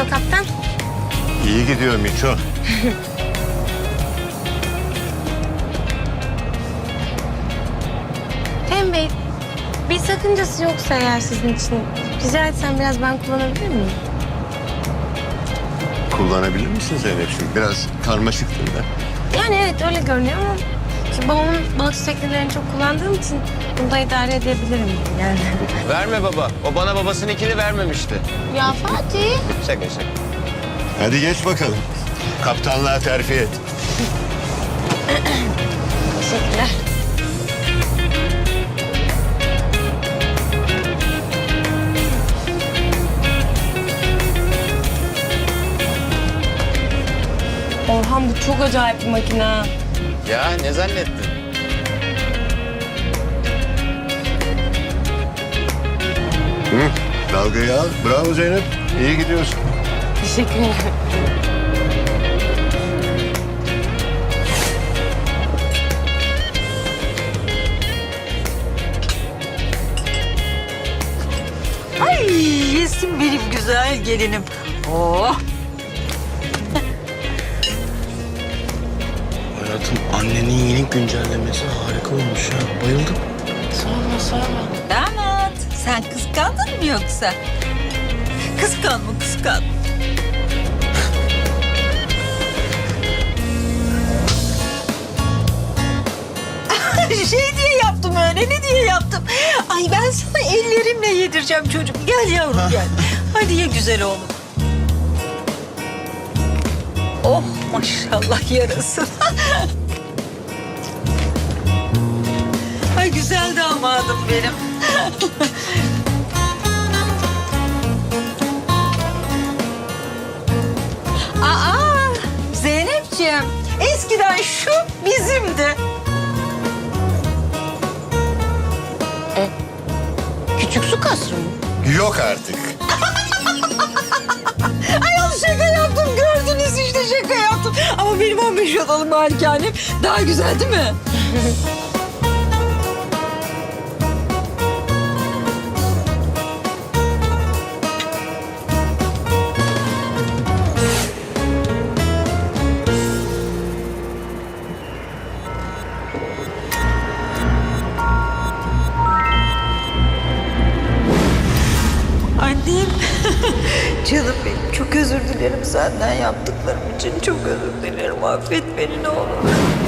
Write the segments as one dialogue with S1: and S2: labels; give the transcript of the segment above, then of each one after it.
S1: gidiyor kaptan?
S2: İyi gidiyor Miço.
S1: Fehmi Bey, bir sakıncası yoksa eğer sizin için rica etsem biraz ben kullanabilir miyim?
S2: Kullanabilir misin Zeynep'ciğim? Biraz karmaşıktır da.
S1: Yani evet öyle görünüyor ama ki babamın balıkçı teknelerini çok kullandığım için bunu da idare edebilirim yani.
S3: Verme baba. O bana babasınınkini vermemişti.
S1: Ya Fatih.
S3: Şaka şaka.
S2: Hadi geç bakalım. Kaptanlığa terfi et.
S1: Teşekkürler. Orhan bu çok acayip bir makine.
S3: Ya ne zannettin?
S2: Hı, dalgayı al. Bravo Zeynep. İyi gidiyorsun.
S1: Teşekkür ederim.
S4: Ay yesin benim güzel gelinim. Oh.
S5: Hayatım annenin yeni güncellemesi harika olmuş ya. Bayıldım.
S1: Sorma sorma.
S4: Damat sen kıskandın mı yoksa? Kıskanma kıskan. Şey diye yaptım öyle ne diye yaptım. Ay ben sana ellerimle yedireceğim çocuk. Gel yavrum gel. Hadi ye güzel oğlum. Oh maşallah yarasın. Ay güzel damadım benim. Aa Zeynepciğim eskiden şu bizimdi.
S1: Küçük su kasrı mı?
S2: Yok artık.
S4: Ay şaka yaptım gördünüz işte şaka yaptım. Ama benim 15 odalı malikanem daha güzel değil mi? Annem, canım benim çok özür dilerim senden yaptıklarım için. Çok özür dilerim, affet beni ne olur.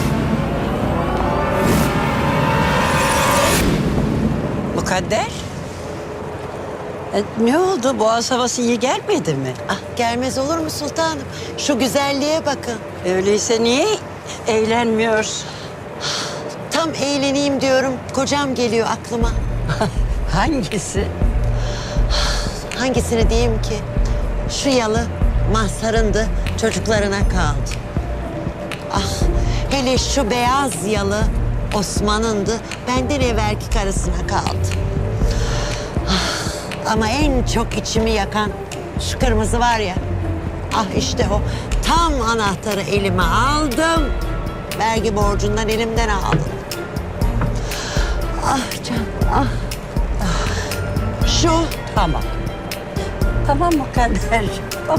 S6: Mukadder. Ne oldu? Boğaz havası iyi gelmedi mi?
S7: Ah, gelmez olur mu sultanım? Şu güzelliğe bakın.
S6: Öyleyse niye eğlenmiyorsun?
S7: Tam eğleneyim diyorum. Kocam geliyor aklıma.
S6: Hangisi?
S7: Hangisini diyeyim ki? Şu yalı Mazhar'ındı, çocuklarına kaldı. Ah, hele şu beyaz yalı Osman'ındı, benden evvelki karısına kaldı. Ah, ama en çok içimi yakan şu kırmızı var ya. Ah işte o. Tam anahtarı elime aldım. Vergi borcundan elimden aldım. Ah canım, ah. Şu.
S6: Tamam. Tamam Mukadder. Tamam.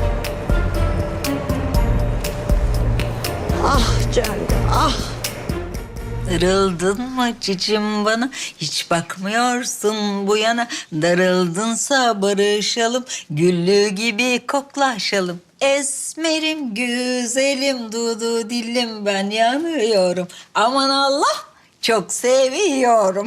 S7: Ah canım, ah.
S4: Darıldın mı cicim bana? Hiç bakmıyorsun bu yana. Darıldınsa barışalım. Güllü gibi koklaşalım. Esmerim, güzelim, dudu dillim ben yanıyorum. Aman Allah, çok seviyorum.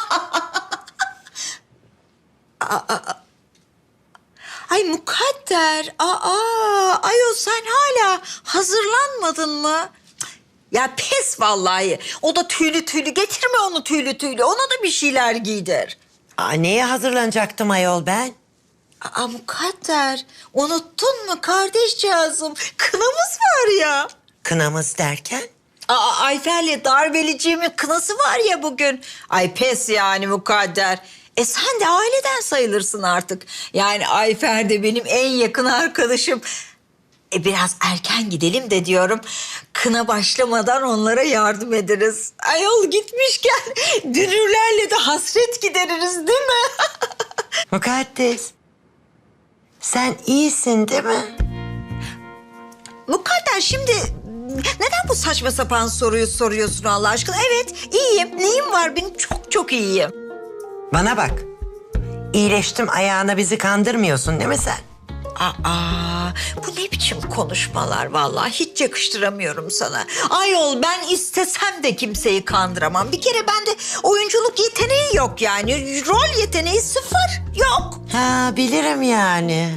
S4: Ay Mukadder, ayol sen hala hazırlanmadın mı? Ya pes vallahi. O da tüylü tüylü. Getirme onu tüylü tüylü. Ona da bir şeyler giydir.
S7: Aa, neye hazırlanacaktım ayol ben?
S4: Mukadder, unuttun mu kardeşcağızım? Kınamız var ya.
S7: Kınamız derken?
S4: Ayfer'le darbeliciğimin kınası var ya bugün. Ay pes yani Mukadder. Sen de aileden sayılırsın artık. Yani Ayfer de benim en yakın arkadaşım. Biraz erken gidelim de diyorum. Kına başlamadan onlara yardım ederiz. Ayol gitmişken dünürlerle de hasret gideririz değil mi?
S7: Mukaddes. Sen iyisin değil mi?
S4: Mukadder şimdi neden bu saçma sapan soruyu soruyorsun Allah aşkına? Evet iyiyim. Neyim var benim? Çok çok iyiyim.
S7: Bana bak. İyileştim ayağına bizi kandırmıyorsun değil mi sen?
S4: Aa, bu ne biçim konuşmalar vallahi hiç yakıştıramıyorum sana. Ayol ben istesem de kimseyi kandıramam. Bir kere bende oyunculuk yeteneği yok yani. Rol yeteneği sıfır. Yok.
S7: Ha bilirim yani.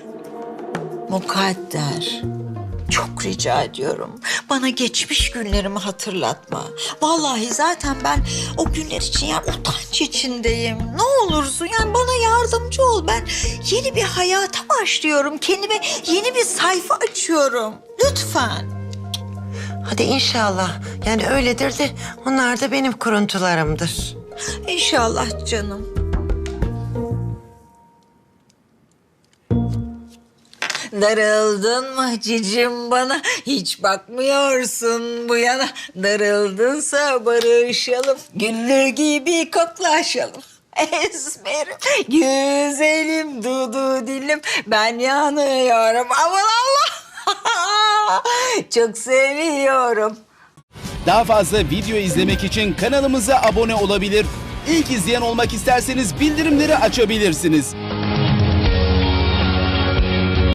S4: Mukadder. Çok rica ediyorum. Bana geçmiş günlerimi hatırlatma. Vallahi zaten ben o günler için yani utanç içindeyim. Ne olursun yani bana yardımcı ol. Ben yeni bir hayata başlıyorum. Kendime yeni bir sayfa açıyorum. Lütfen.
S7: Hadi inşallah. Yani öyledir de onlar da benim kuruntularımdır.
S4: İnşallah canım. Darıldın mı cicim bana? Hiç bakmıyorsun bu yana. Darıldınsa barışalım. Güllü gibi koklaşalım. Esmerim, güzelim, dudu dilim. Ben yanıyorum. Aman Allah! Çok seviyorum.
S8: Daha fazla video izlemek için kanalımıza abone olabilir. İlk izleyen olmak isterseniz bildirimleri açabilirsiniz.